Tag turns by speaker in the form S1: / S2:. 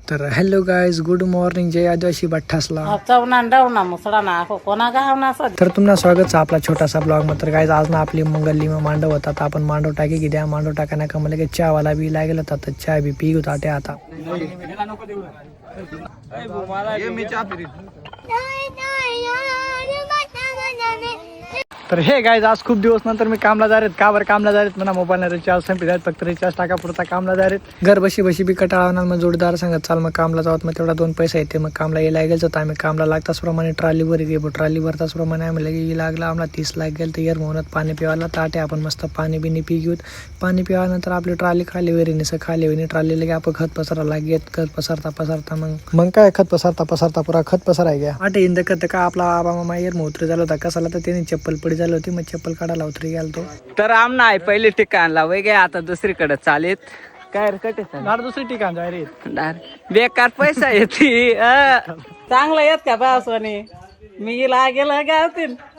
S1: तर hello guys, good morning. जय आदिवासी भट्टासला. तर तुम्हाला स्वागत आहे आपला छोटासा ब्लॉग मध्ये. तर गाईज आज ना आपली मंगली में मांडव होता, तर आपण मांडव टाकी की द्या मांडव टाका का मला चहा वाला बी लागेल होता, तर चहा बी पी होता ते आता. तर हे गाईज आज खूप दिवस नंतर मी कामला जा का बरं कामला जा म्हणा मोबाईल रिचार्ज संपले आहेत, फक्त रिचार्ज टाका पुरता कामला जा घर बशी बशी बी कटाळा मग जोडीदार सांगत चाल मग कामला जावत, मग तेवढा 2 पैसा येते. मग कामला यायला गेल तर आम्ही कामला लागताच प्रमाणे ट्रॉलीवर गेलो, ट्रॉली भरताच प्रमाणे आम्ही लगे लागला आम्हाला 30 लाख गेल. तर येर म्हणत पाणी पिवायला ताटे आपण मस्त पाणी बिनी पी घेऊत. पाणी पिवानंतर आपली ट्रॉली खाली वेरीने खाली वेणी ट्रॉली लगे आपण खत पसरा लागेत. खत पसरता मग काय खत पसरता पुरा खत पसराय गया आटे इंद करत का आपला आबा मामा येर मोत्र झाला होता कसाला, तर त्याने चप्पल पडी झाली होती, मग चप्पल काढायला उतरी गेल तो.
S2: तर आमना आहे पहिले ठिकाणला वगे आता दुसरीकडे चालेत काय कटे
S1: दुसरी ठिकाण जाय रे.
S2: बेकार पैसा येते चांगला येत का पावसाने मी गेला गावतील